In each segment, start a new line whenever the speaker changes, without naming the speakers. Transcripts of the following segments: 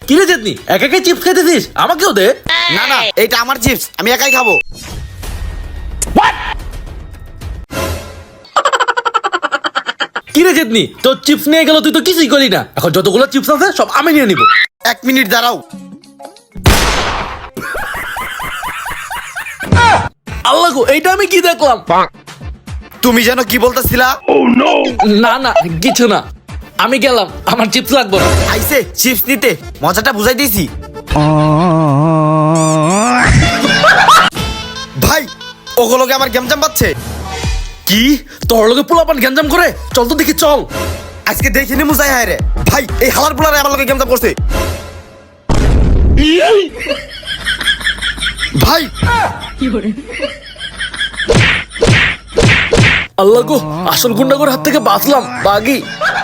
কি রে চেতনি, একা একাই চিপস খাইতেছিস? আমাকেও দে।
না না, এটা আমার চিপস, আমি একাই খাবো।
কি রে চেতনি, তোর চিপস নিয়ে গেল, তুই তো কিছুই করি না। এখন যতগুলো চিপস আছে সব আমি নিয়ে নিব।
1 মিনিট দাঁড়াও।
আল্লাহ গো, এইটা আমি কি দেখলাম?
তুমি যেন কি বলতেছিলা?
না না, কিছু না, আমি গেলাম, আমার চিপস লাগবে না।
আইসে চিপস নিতে, মজাটা বুঝাই দিয়েছি। ভাই, ওগুলোকে আমার গেমজাম পাচ্ছে।
কি তোর লগে পোলাপান গ্যাঞ্জাম করে? চল তো দেখি, চল।
আজকে দেখিনি মুজাই হায় রে। ভাই, এই হালার পোলারে আমার লগে গেমজাম করছে। ভাই,
আল্লাহ গো, আসল গুন্ডাগোর হাত থেকে বাঁচলাম, বাগি।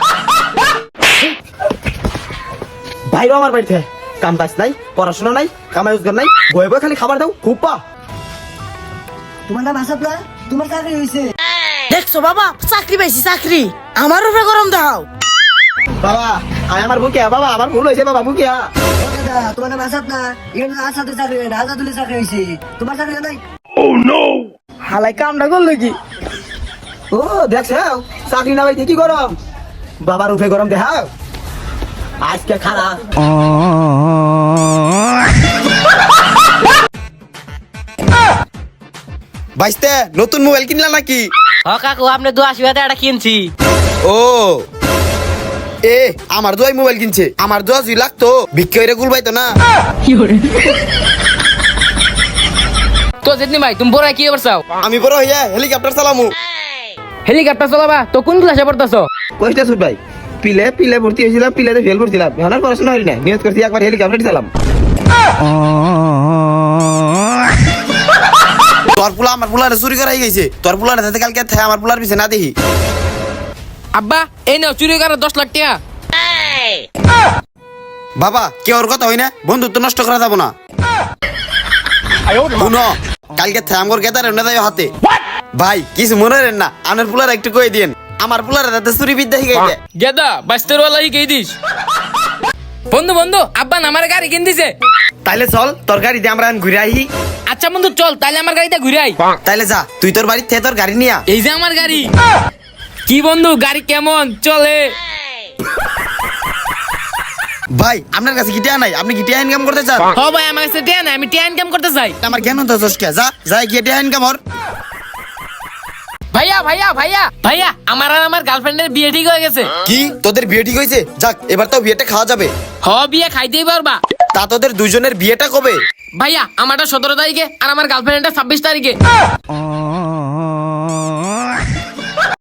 ভাইও আমার বাড়িতে কাম কাজ নাই, পড়াশোনা নাই, কামাই রোজগার নাই, বয়ে বয়ে খালি খাবার দাও, খুব পা।
তোমার নাম আসাদ না? তোমার চাকরি হয়েছে?
দেখছো বাবা, চাকরি পাইছি, চাকরি। আমার উপরে গরম দাও।
বাবা, আয় আমার বুকে, বাবা আমার ভুল হয়েছে, বাবা বুকে।
ও দাদা, তোমার নাম আসাদ না? এর আসাদের চাকরি হয় না, আসাদুলের চাকরি হয়েছে। তোমার চাকরি হয় নাই?
হালাই কামটা করলো কি?
ও দেখছ, চাকরি না পাইতে কি গরম, বাবার উঠে গরম দেখাও। আজকে খারাপ। বাইস্তে নতুন মোবাইল কিনলা নাকি?
হ কাকু, আপনি 82 টাকা কিনছি।
ও এ, আমার দোয়াই মোবাইল কিনছে, আমার দোয়া জুই লাগতো, ভিক্ষা হইরে গুলবাইতো না।
তো যেদিন ভাই তুমি বড় কি করছাও?
আমি বড় হইয়া হেলিকপ্টার চালামু।
হেলিকপ্টার চালাবা তো কোন ক্লাসে পড়তাছো?
কইটা সুট ভাই, পিলে ভর্তি হয়েছিলাম, পিলেতে ফেল করছিলাম, এখন আর পড়াশোনা হইল না, নিয়ত করছি একবার হেলিকপ্টার চালাম। তোর পোলা আমার পোলারে চুরি করাই গেছে, তোর পোলারে যাতে কালকে থাকে আমার পোলার পিছে না দেখি।
আব্বা এই নাও চুরি করে 10 লাখ টাকা।
বাবা, কে ওর কথা হই না, বন্ধুত্ব নষ্ট করা যাবো না। শুনো, কালকে থাকে আমার গেদারে না যাই হাতে। ভাই কিছু মনে রেন না, আপনার পোলার একটু কই দিন, আমার পোলারে যাতে চুরি বিদ্যা শিখাইতে।
গেদা বাস্তের ওয়ালা হি কই দিস? বন্ধু বন্ধু, আব্বা না আমার গাড়ি কিন দিছে।
তাইলে চল, তোর গাড়ি দিয়ে আমরা ঘুরে আহি।
আচ্ছা বন্ধু চল, তাইলে আমার গাড়িতে ঘুরে আই।
তাইলে যা, তুই তোর বাড়ির থেকে তোর গাড়ি নিয়া।
এই যে আমার গাড়ি। কি বন্ধু, গাড়ি কেমন চলে?
ভাই, আপনার কাছে গিটিয়া নাই, আপনি গিটিয়া ইনকাম করতে চান?
হ ভাই, আমার কাছে টিয়া নাই, আমি টিয়া ইনকাম করতে চাই।
আমার জ্ঞান তো চসকে, যা যা গিটিয়া ইনকাম কর।
ভাইয়া ভাইয়া ভাইয়া ভাইয়া, আমার আর আমার গার্লফ্রেন্ডের বিয়ে ঠিক হয়ে গেছে।
কি তোদের বিয়ে ঠিক হয়েছে? যাক, এবার তো বিয়েটা খাওয়া যাবে।
হ, বিয়ে খাইতেই পারবা।
তা তোদের দুজনের বিয়েটা কবে?
ভাইয়া আমারটা 17 তারিখে আর আমার গার্লফ্রেন্ডটা 26 তারিখে।